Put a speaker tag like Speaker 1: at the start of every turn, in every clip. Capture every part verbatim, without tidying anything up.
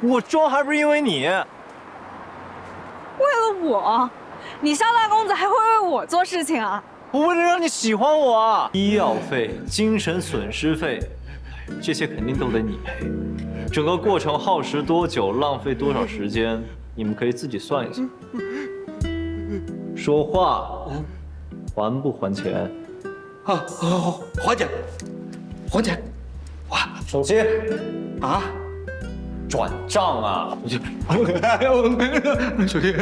Speaker 1: 我装还不是因为你？为了
Speaker 2: 我，你萧大公子还会为我做事情啊？
Speaker 1: 我为了让你喜欢我啊！医药费、精神损失费，这些肯定都得你赔。整个过程耗时多久，浪费多少时间，你们可以自己算一下。说话，还不还钱？
Speaker 3: 啊，好，还钱，还钱。哇，
Speaker 1: 手机
Speaker 3: 啊，
Speaker 1: 转账啊！
Speaker 3: 哎呦，手机。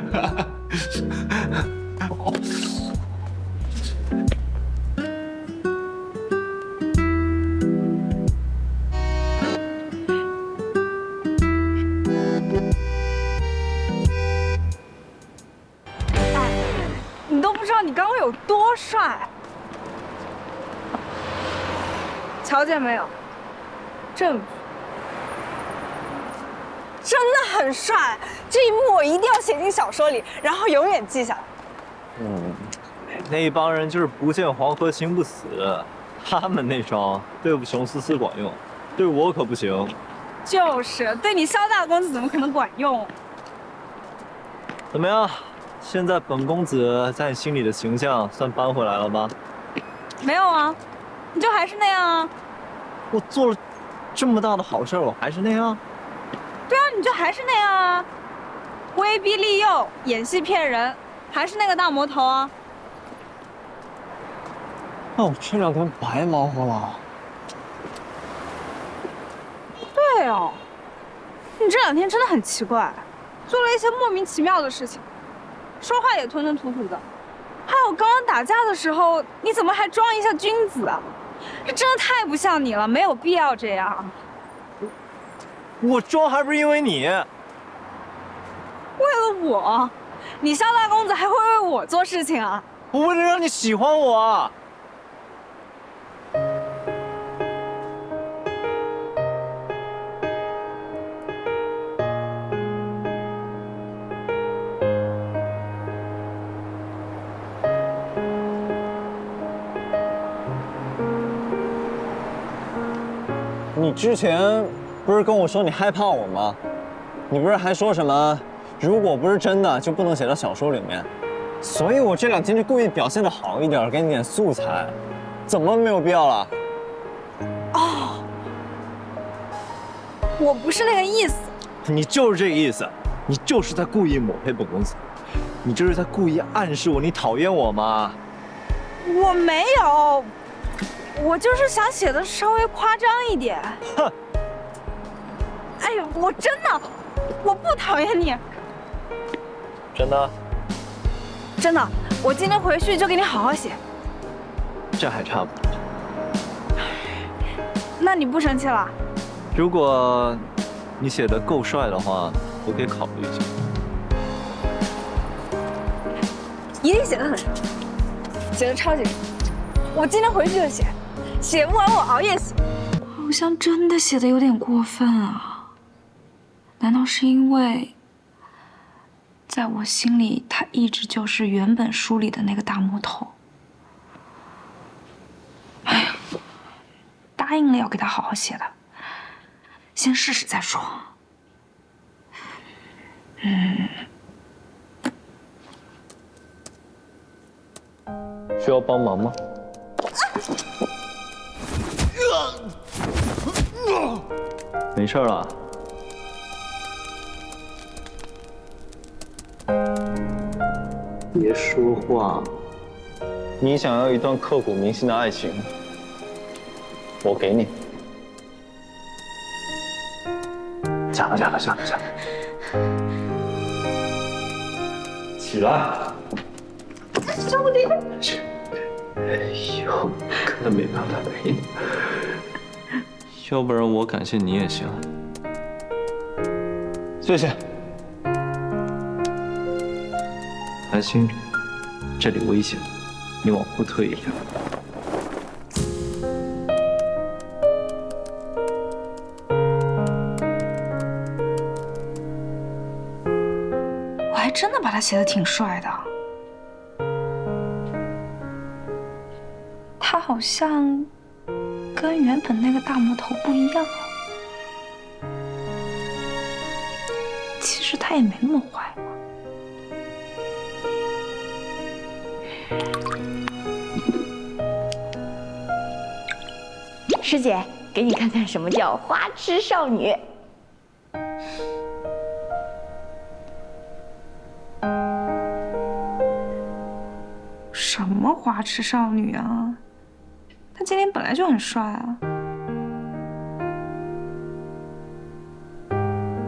Speaker 2: 你都不知道你刚刚有多帅，瞧见没有？证据，真的很帅。这一幕我一定要写进小说里，然后永远记下来。
Speaker 1: 嗯，那帮人就是不见黄河心不死，他们那招对付熊思思管用，对我可不行。
Speaker 2: 就是对你萧大公子怎么可能管用？
Speaker 1: 怎么样？现在本公子在你心里的形象算扳回来了吗？
Speaker 2: 没有啊，你就还是那样啊。
Speaker 1: 我做了这么大的好事，我还是那样。
Speaker 2: 对啊，你就还是那样啊，威逼利诱，演戏骗人，还是那个大魔头啊。
Speaker 1: 那我这两天白忙活了。
Speaker 2: 对哦，你这两天真的很奇怪，做了一些莫名其妙的事情，说话也吞吞吐吐的。还有刚刚打架的时候，你怎么还装一下君子啊？这真的太不像你了，没有必要这样。
Speaker 1: 我装还不是因为你？
Speaker 2: 为了我，你萧大公子还会为我做事情啊？
Speaker 1: 我为了让你喜欢我啊！
Speaker 4: 你之前不是跟我说你害怕我吗？你不是还说什么，如果不是真的就不能写到小说里面？所以我这两天就故意表现得好一点，给你点素材。怎么没有必要了？
Speaker 2: 哦，我不是那个意思。
Speaker 1: 你就是这个意思，你就是在故意抹黑本公子，你这是在故意暗示我你讨厌我吗？
Speaker 2: 我没有。我就是想写的稍微夸张一点。
Speaker 1: 哼！
Speaker 2: 哎呦，我真的，我不讨厌你。
Speaker 1: 真的？
Speaker 2: 真的，我今天回去就给你好好写。
Speaker 1: 这还差不多。
Speaker 2: 那你不生气了？
Speaker 1: 如果你写的够帅的话，我可以考虑一下。
Speaker 2: 一定写的很帅，写的超级帅。我今天回去就写。写不完我熬夜写，
Speaker 5: 好像真的写的有点过分啊！难道是因为，在我心里他一直就是原本书里的那个大魔头？哎呀，答应了要给他好好写的，先试试再说。嗯，
Speaker 1: 需要帮忙吗？没事了。别说话。你想要一段刻骨铭心的爱情，我给你。下了，下了，下了，下了。起来。
Speaker 2: 兄弟。
Speaker 1: 去。哎呦，根本没办法陪你。要不然我感谢你也行。谢谢。韩星，这里危险，你往后退一点。
Speaker 5: 我还真的把他写的挺帅的。他好像跟原本那个大魔头不一样。 其实他也没那么坏嘛。
Speaker 6: 师姐，给你看看什么叫花痴少女。
Speaker 5: 什么花痴少女啊？他今天本来就很帅啊。